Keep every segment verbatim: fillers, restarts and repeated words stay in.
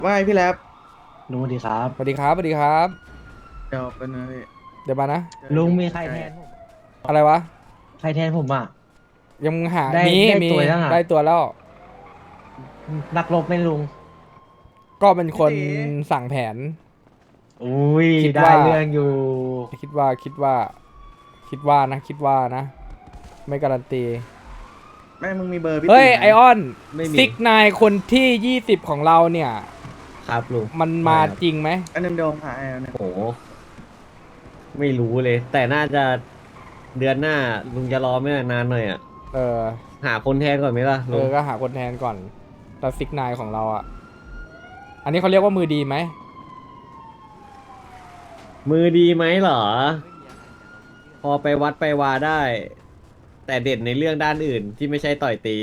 ว่าไงพี่แรปลุงสวัสดีครับสวัสดีครับสวัสดีครับเดี๋ยวเป็นงพี่เดี๋ยวมานะเจอลุงอยู่มีใครใกล้แทนผมอะไรวะใครแทนผมอ่ะยังหาได้มีได้มีตัวยังอ่ะได้ตัวแล้วนักรบไหม่ลุงก็เป็นคนพี่ตีสั่งแผนอุ้ยได้คิดว่าเรื่องอยู่คิดว่าคิดว่าคิดว่านะคิดว่านะไม่การันตีแม่มึงมีเบอร์พี่เฮ้ยตีไหมไอออนไม่มีซิกนายคนที่ยี่สิบของเราเนี่ยครับลุงมันไม่มาครับจริงไหมอันเดิมโดมหาแอลเนี่ยโหไม่รู้เลยแต่น่าจะเดือนหน้าลุงจะรอไม่นานหน่อยอ่ะเออหาคนแทนก่อนไหมล่ะเอลุงอก็หาคนแทนก่อนแต่ซิกนายของเราอ่ะอันนี้เขาเรียกว่ามือดีไหมมือดีไหมเหรอพอไปวัดไปวาได้แต่เด่นในเรื่องด้านอื่นที่ไม่ใช่ต่อยตี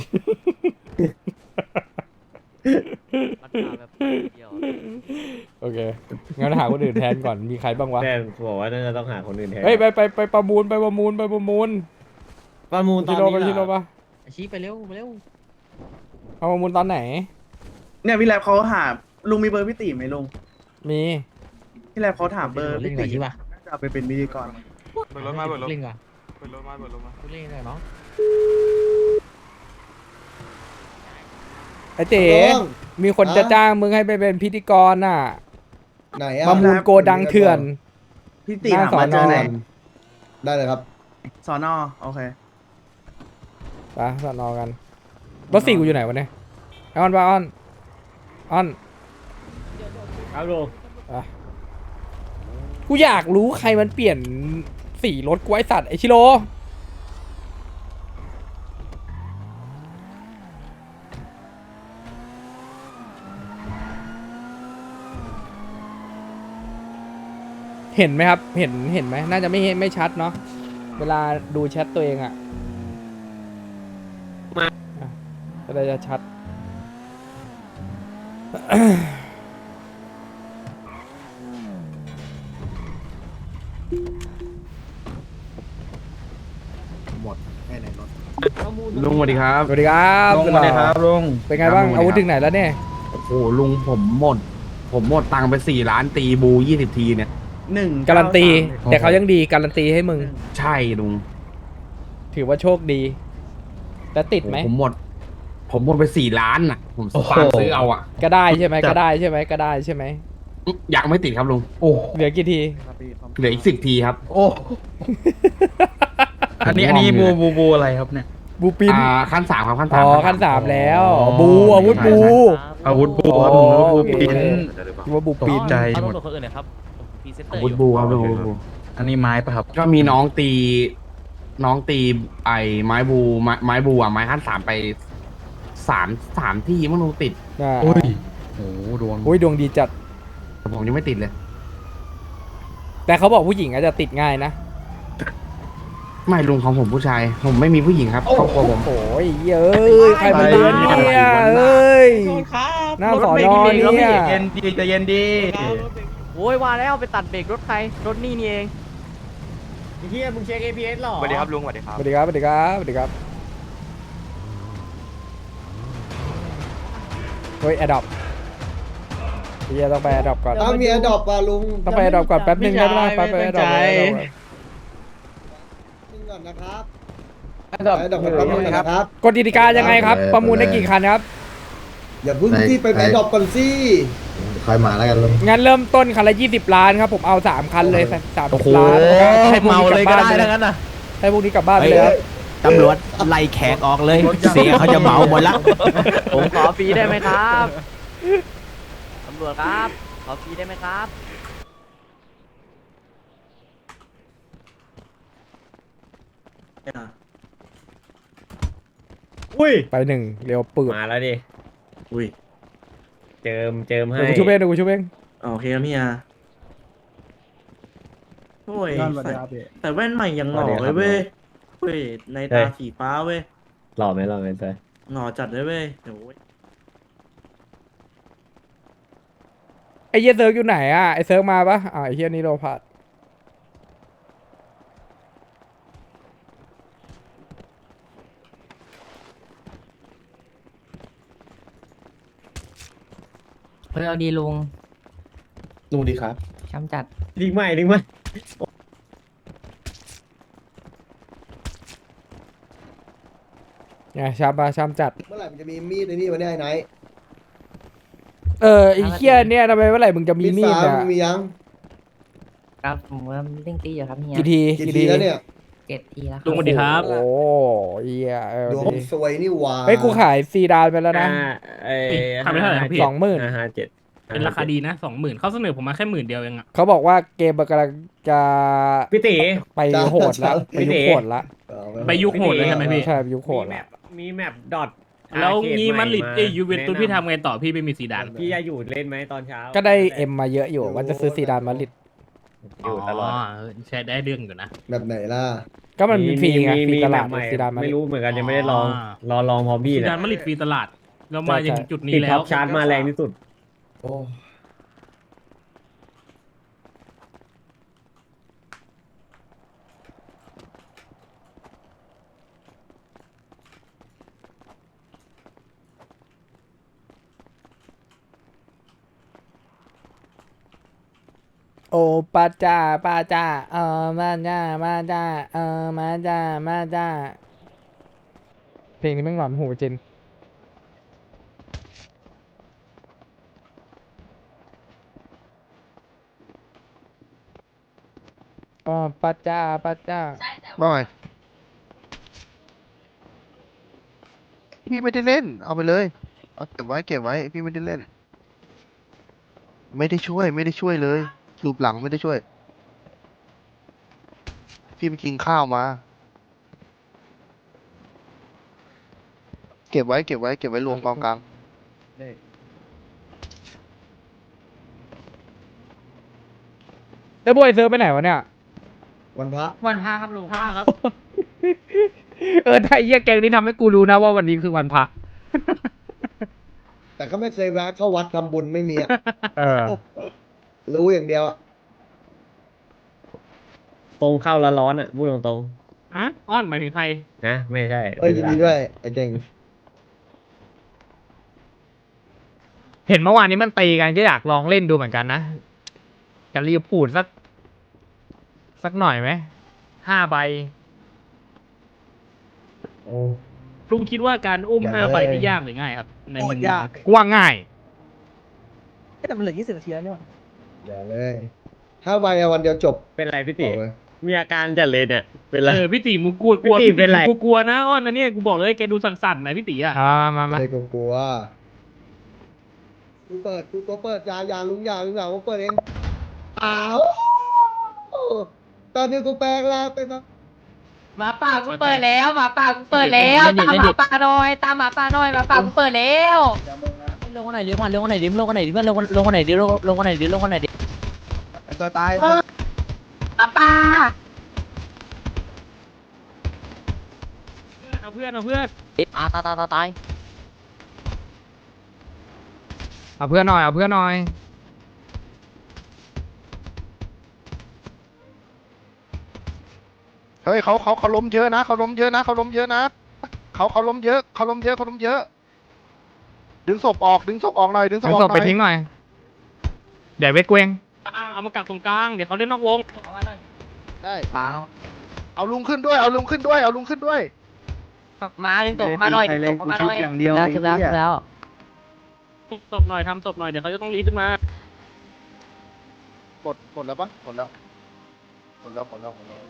มันมาแบบเดียวโอเคงั้นหาคนอื่นแทนก่อนมีใครบ้างวะแม่บอกว่าน่าจะต้องหาคนอื่นแทนเฮ้ยไปไปไปประมูลไปประมูลไปประมูลประมูลตอชินโร่นี้ไปเหรชิโร่อปะชี้ไปเร็วไปเร็วเอาประมูลตอนไหนเนี่ยพี่แรปเขาหาลุงมีเบอร์พี่ตีไหมลุงมีพี่แรปเขาถามเบอร์เล่นพี่ก่อนตีใช่ปะน่าจะเอาไปเป็นพิธีกรเปิดรถมาเปิดรถเล่นก่อนเปิดรถมาเปิดรถมาเล่นก่อนเนาะไอเต๋มีคนจะจ้างมึงให้ไปเป็นพิธีกรน่ะไหนอะประมูลโกดังเถื่อนพี่ตีหน้าหามาเจอสอนอไหนได้เลยครับสอนอโอเคไปสนอกันรถสี่กูอยู่ไหนวะเนี่ยไอออนปะออนออนครับลุงอ่ะกูอยากรู้ใครมันเปลี่ยนสีรถกูไอสัตว์ไอชิโร่เห็นไหมครับ เห็นเห็นไหมน่าจะไม่เห็นไม่ชัดเนาะเวลาดูแชทตัวเองอะอ่ะก็ได้จะชัดหมดแค่ไหนรถลุงสวัสดีครับสวัสดีครับลุงสวัสดีครับลุงเป็นไงบ้างครับอาวุธถึงไหนแล้วเนี่ยโอ้โหลุงผมหมด ผมหมดตังค์ไปสี่ล้านตีบูยี่สิบทีเนี่ยหนึ่งการันตีโอ้โหแต่เขายังดีการันตีให้มึงใช่ลุงถือว่าโชคดี แล้วติดไหมโอ้โผมหมด ผมหมดไปสี่ล้านน่ะ ผมฝากซื้อเอาอ่ะก็ได้ใช่ไหมก็ได้ใช่ไหมก็ได้ใช่ไหมอยากไม่ติดครับลุงโอ้เหลือกี่ทีครับพี่ครับเหลืออีกสิบทีครับโอ้อันนี้อันนี้บูบูบูอะไรครับเนี่ยบูปินอ่าขั้นสามครับขั้นอ๋สามอขั้นสามแล้ว บูอาวุธบูอาวุธบูอ๋อครับผมแล้วาบูโอเคปินคิดว่าบูปินใจเอาหมดตำรวจคนอื่นหน่อยครับผมพรีเซนเตออาร์วุอธยู่บูครับลุงอันนี้ไม้ปะครับก็มีน้องตี น้องตีไอ้ไม้บูไม้ไม้บูอ่ะไม้ขั้นสามไปสามสามที่มั้งลุงติดอ่าโอ้ยโอ้โหดวงโอ้ยดวงดีจัดแต่ผมยังไม่ติดเลยแต่เขาบอกผู้หญิงอาจจะติดง่ายนะไม่ลุงของผมผู้ชาย ผมไม่มีผู้หญิงครับครอบครัวผมโอ้ยเอ้ยใครมาเรียนเนี่ยเอ้ยครับหน้าสอนอเนี่ยเย็นดีใจเย็นดีโอ้ยว่าแล้วไปตัดเบรกรถใครรถนี่นี่เองไอ้เฮียมึงเช็ค เอ พี เอส หรอสวัสดีครับลุงสวัสดีครับสวัสดีครับสวัสดีครับสวัสดีครับเฮ้ยแอดดอปเฮียต้องไปแอดดอปก่อนถ้ามีอดอปป่ะลุงต้องไปแอดดอปก่อนแป๊บนึงได้ไหมไปไปแอดดอปนึงก่อนนะครับแอดดอปไปอดอปกันแป๊บนึงนะครับกฎกติกายังไงครับ ประมูลได้กี่คันครับอย่าเพึ่งที่ไปอดอปก่อนสิค่อยมาแล้วกันลุงงั้นเริ่มต้นคันละยี่สิบล้านครับ ผมเอาสามคันเลยสามสิบล้านให้พวกนี้กลับบ้านไปเลยให้พวกนี้กลับบ้านไปเลยครับตำรวจไล่แขกออกเลย เสียเขาจะเหมาหมดละผมขอฟรีได้ไหมครับตำรวจครับขอฟรีได้ไหมครับอุ้ยไปหนึ่งเร็วปืดมาแล้วดิอุ้ยเจิมเจิมให้เดี๋ยวกูชุบเองเดี๋ยวกูชุบเองโอเคครับพี่อาโอ้ยใส่แต่แว่นใหม่ยังหล่อเลยเว้ยเว้ยในตาสีฟ้าเว้ยหล่อไหมหล่อไหมเต้ยหล่อจัดเลยเว้ยโอ้ยไอ้เหี้ยเซิร์กอยู่ไหนอ่ะไอ้เซิร์กมาปะอ่าไอ้เหี้ยนี่โรพัดอเอาดีลุงลุงดีครับช้ำจัดลิงใหม่ลิงใหม่ไงชามมาชามจัดเมื่อไหร่มันจะมีมีดในนี่วะเนี่ยไอ้ไนท์เออไอ้เคียเนี่ยทำไมเมื่อไหร่มึงจะมีมีดฟ้าอ่ะมึงมียังครับผมว่าเล่งตีอยู่ครับเฮียกี่ทีกี่ทีแล้วเนี่ยเจ็ดทีแล้วลุงสวัสดีครับ โอ้เหี้ยเออดวงสวยนี่หว่าเฮ้ยกูขายซีดานไปแล้วนะอ่าเอ้ยทำไปเท่าไหร่ครับพี่สองหมื่นห้าห้าเจ็ดเป็นราคาดีนะสองหมื่นเขาเสนอผมมาแค่หมื่นเดียวเองอะเขาบอกว่าเกมมันกำลังจะพี่ตีไปโหดแล้วไปยุคโหดละเอาไปยุคโหดเลยใช่ไหมพี่ใช่ไปยุคโหดมีแมละปมีแมปดอทแล้วงี้มันลิดเอ้ยยูเวนตุสพี่ทำไงต่อพี่ไม่มีซีดานพี่จะอยู่เล่นไหมตอนเช้าก็ได้เอ็มมาเยอะอยู่ว่าจะซื้อซีดานมาลิดอยู่ตลอดใช้ได้เรื่องอยู่นะแบบไหนล่ะก็มันมีฟรีไงฟรีตลาดแมปใหม่ซีดานมาไม่ลิดรู้เหมือนกันยังไม่ได้ลองอ๋อรอลองพร้อมพี่ซีแหละดานมาลิดฟรีตลาด เรามาอย่างจุดนี้ติดแล้ท็อวปชาร์จมาแรงที่สุดโอ้โอปาจ้าปาจ้าเออมาจ้ามาจ้าเออมาจ้ามาจ้าเพลงนี้แม่งหลอนหูจริงอ๋อปาจ้าปาจ้าบ่อยพี่ไม่ได้เล่น เอาไปเลยเอาเก็บไว้เก็บไว้พี่ไม่ได้เล่น ไม่ได้ช่วยไม่ได้ช่วยเลยรูปหลังไม่ได้ช่วย พี่ไปกินข้าวมา เก็บไว้เก็บไว้เก็บไว้รวมกองกลางแล้วบอยเซิร์ฟไปไหนวะเนี่ยวันพระวันพาครับลุงพาครับเออถ้าไอ้เหี้ยแกงนี้ทำให้กูรู้นะว่าวันนี้คือวันพระแต่ก็ไม่เคยแวะเข้าวัดทำบุญไม่มีอะเออรู้อย่างเดียวอะตรงเข้าแล้วร้อนอ่ะพูดตรงอ่ะอ้อนหมายถึงใครๆนะไม่ใช่เอ้ยยินดีด้วยไอ้เจ๋งเห็นเมื่อวานนี้มันตีกันก็อยากลองเล่นดูเหมือนกันนะจะรีบพูดสัก สักหน่อยไหมห้าใบโอ้ลุงคิดว่าการอุ้มห้าใบนี่ยากหรือง่ายครับ ในมุมยากกูว่าง่ายแต่มันเหลือยี่สิบนาทีแล้วเนี่ยอย่าเลยถ้าไปอะวันเดียวจบเป็นไรพี่บติอกเลยมีอาการจัดเลยเนี่ยเป็นไรเออพี่ตีมูกลัวกลัวพี่ตีเป็นไรกูกลัวนะอ้อนนะเนี่ยกูบอกเลยแกดูสั่นๆนะพี่ตีอ่ะอ่ามามาไม่กลัวกูเปิดกูตัวเปิดยางยางลุงยางลุงยางกูเปิดเองอ้าวตอนนี้กูแปลงร่างเป็นหมาป่ากูเปิดแล้วหมาป่ากูเปิดแล้วตามหมาป่าหน่อยตามหมาป่าหน่อยหมาป่ากูเปิดแล้วลงคนไหนดิลงคนไหนดิลงคนไหนดิเพื่อนลงลงคนไหนดิลงลงคนไหนดิลงคนไหนดิตัวตายหมาป่าเอาเพื่อนเอาเพื่อนอ่าตายตายตายตายเอาเพื่อนหน่อยเอาเพื่อนหน่อยเฮ้ยเขาเขาเขาล้มเยอะนะเขาล้มเยอะนะเขาล้มเยอะนะเขาเขาล้มเยอะเขาล้มเยอะเขาล้มเยอะ ดึงศพออกดึงศพออกหน่อยดึงศพเอาออกศพหน่ไปอยทิ้งหน่อย เดี๋ยวเวทเกวงอ่ะเอามากักตรงกลางเดี๋ยวเขาเล่นนอกวงได้ป่าเอาลุงขึ้นด้วยเอาลุงขึ้นด้วยเอาลุงขึ้นด้วยมาดึงตกมาหน่อยดึงตกมาหน่อยแล้วคือแล้วคือแล้วตบหน่อยทำตบหน่อยเดี๋ยวเขาจะต้องรีบขึ้นมาหมดหมดแล้วปะหมดแล้วหมดแล้วหมดแล้วหมดแล้ว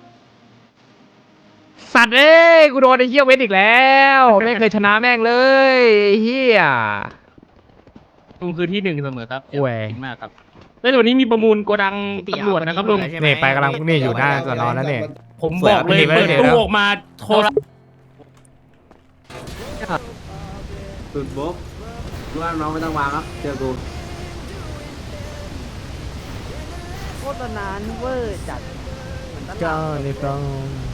สัตว์เอ้ยกูโดนไอ้เหี้ยเวทอีกแล้วไม่เคยชนะแม่งเลยไอ้เหี้ยลุงคือที่หนึ่งเสมอครับโอ้ยขอบคุณมากครับแล้ววันนี้มีประมูลโกดังตำรวจนะครับลุงนี่ไปกำลังนี่อยู่หน้าสอนอนั่นนี่ผมบอกเลยเปิเปิดดตู้ตู้ออกมาโทรสุดบุ๊กรู้ว่าน้องไม่ต้องวางครับเจอกูโคตรนานเวอร์จัดก็ในฟรอง